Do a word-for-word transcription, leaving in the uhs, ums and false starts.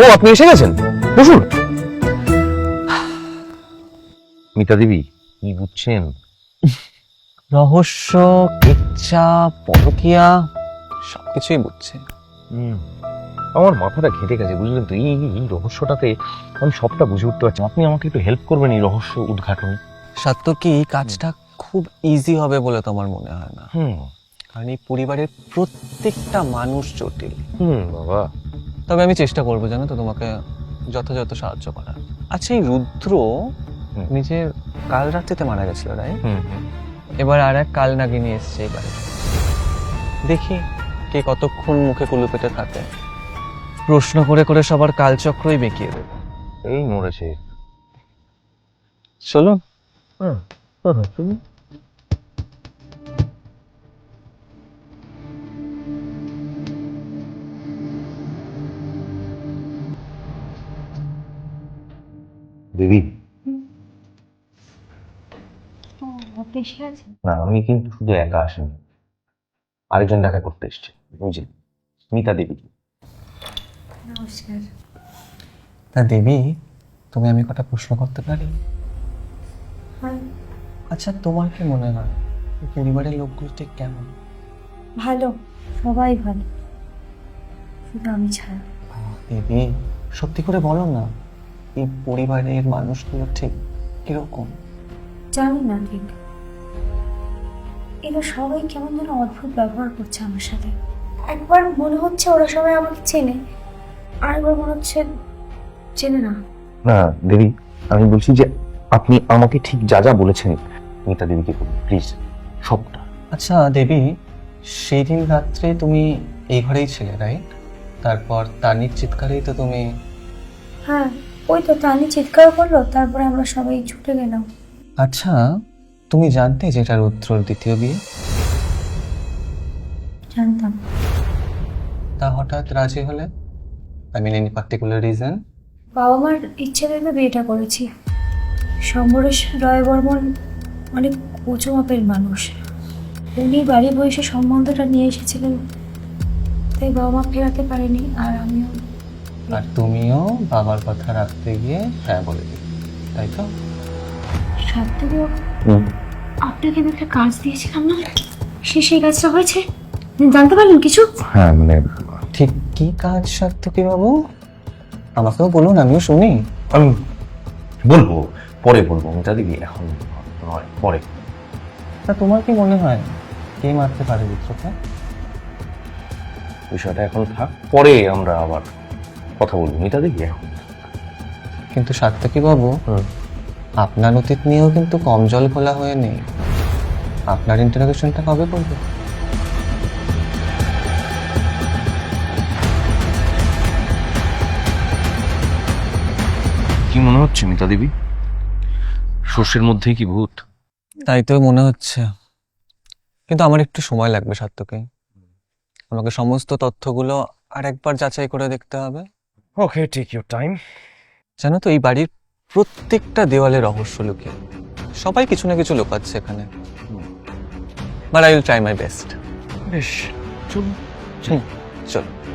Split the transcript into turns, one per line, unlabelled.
আপনি এসে গেছেন, বসুন। মিতা দেবী, কি বুঝছেন?
রহস্য, ইচ্ছা, পরকীয়া সবকিছুই বুঝছে।
হুম, আমার মাথাটা ঘেঁটে গেছে, বুঝলেন তো। এই এই রহস্যটাতে আমি সবটা বুঝে উঠতে পারছি। আপনি আমাকে একটু হেল্প করবেন এই রহস্য উদ্ঘাটনে।
সত্য কি এই কাজটা খুব ইজি হবে বলে তোমার মনে হয় না?
হুম
কারণ এই পরিবারের প্রত্যেকটা মানুষ জটিল।
হুম বাবা,
তবে আমি চেষ্টা করবো, জানো তো, তোমাকে যথাযথ সাহায্য করার। আচ্ছা, এই রুদ্র
হুম।
নিজের কাল রাত্রিতে মারা গেছিল, রাইট?
হুম হুম।
এবার আর এক কাল নাগিনী এসছে এবারে। দেখি কে কতক্ষণ মুখে কুলু পেটে থাকে। প্রশ্ন করে করে সবার কালচক্রই বেঁকিয়ে দেবে।
এই মরেছে।
চলো।
হ্যাঁ হ্যাঁ, চলুন। দেবী, না আমি কিন্তু শুধু একা আসিনি, আরেকজন দেখা করতে এসছে, বুঝলি, মিতা দেবী।
নমস্কার।
তা দেবী, তুমি আমি কটা প্রশ্ন করতে পারি?
হ্যাঁ,
আচ্ছা, তোমার কি মনে হয় এই পরিবারের লোকগুলো ঠিক কেমন?
ভালো, সবাই ভালো, শুধু আমি ছাড়া।
দেবী, সত্যি করে বলো না, এই পরিবারের মানুষগুলো ঠিক কিরকম?
জানি না ঠিক, এরা সবাই কেমন যেন অদ্ভুত ব্যবহার করছে আমার সাথে। একবার মনে হচ্ছে ওরা সবাই আমাকে চেনে, আরেকবার মনে হচ্ছে চেনে না।
না দেবী, আমি বলছি যে আপনি আমাকে ঠিক যা যা বলেছেন মিতা দেবীকে বলুন প্লিজ, সবটা।
আচ্ছা দেবী, সেই দিন রাত্রে তুমি এই ঘরেই ছিলে, রাইট? তারপর তানির চিৎকারেই তো তুমি...
হ্যাঁ, ওই তো তানি চিৎকার করলো, তারপরে আমরা সবাই ছুটে গেলাম।
আচ্ছা, তুমি জানতে যে এটা রুদ্রর দ্বিতীয় বিয়ে?
জানতাম।
তা হঠাৎ রাজি হলে? I mean any particular reason?
বাবা মার ইচ্ছে ভেবে বিয়েটা করেছি। শম্বরেশ রয় বর্মন অনেক উঁচু মাপের মানুষ, উনি বাড়ি বয়সে সম্বন্ধটা নিয়ে এসেছিলেন, তাই বাবা মা ফেরাতে পারেনি, আর আমিও।
আর তুমিও বাবার কথা রাখতে গিয়ে হ্যাঁ বলে দিলে, তাই তো?
সাত্তকী বাবু, আপনাকে আমি একটা কাজ দিয়েছিলাম না, সে সেই কাজটা হয়েছে? জানতে পারলেন কিছু?
হ্যাঁ মানে
ঠিক কি কাজ সার্থকী বাবু? আমাকেও বলুন, আমিও শুনি।
আমি বলবো, পরে বলবো মিতা দেবী, এখন নয়, পরে।
তা তোমার কি মনে হয় কে মারতে পারে রুদ্রকে?
বিষয়টা এখন থাক, পরে আমরা আবার কথা বলবো মিতা দেবী, এখন।
কিন্তু সার্থকী বাবু,
হুম।
আপনার অতীত নিয়েও কিন্তু কম জল ঘোলা হয়ে নেই। আপনার ইন্টারোগেশনটা কবে করবে?
কি মনে হচ্ছে মিতা দেবী, শস্যের মধ্যেই কি ভূত?
তাই তো মনে হচ্ছে, কিন্তু আমার একটু সময় লাগবে সার্থকী। আমাকে সমস্ত তথ্যগুলো আর একবার যাচাই করে দেখতে হবে।
Okay, take your time.
জানো তো, এই বাড়ির প্রত্যেকটা দেওয়ালে রহস্য লুকিয়ে, সবাই কিছু না কিছু লুকাচ্ছে এখানে। But I will try my best.
বেশ, চলুন।
হুম, চলো।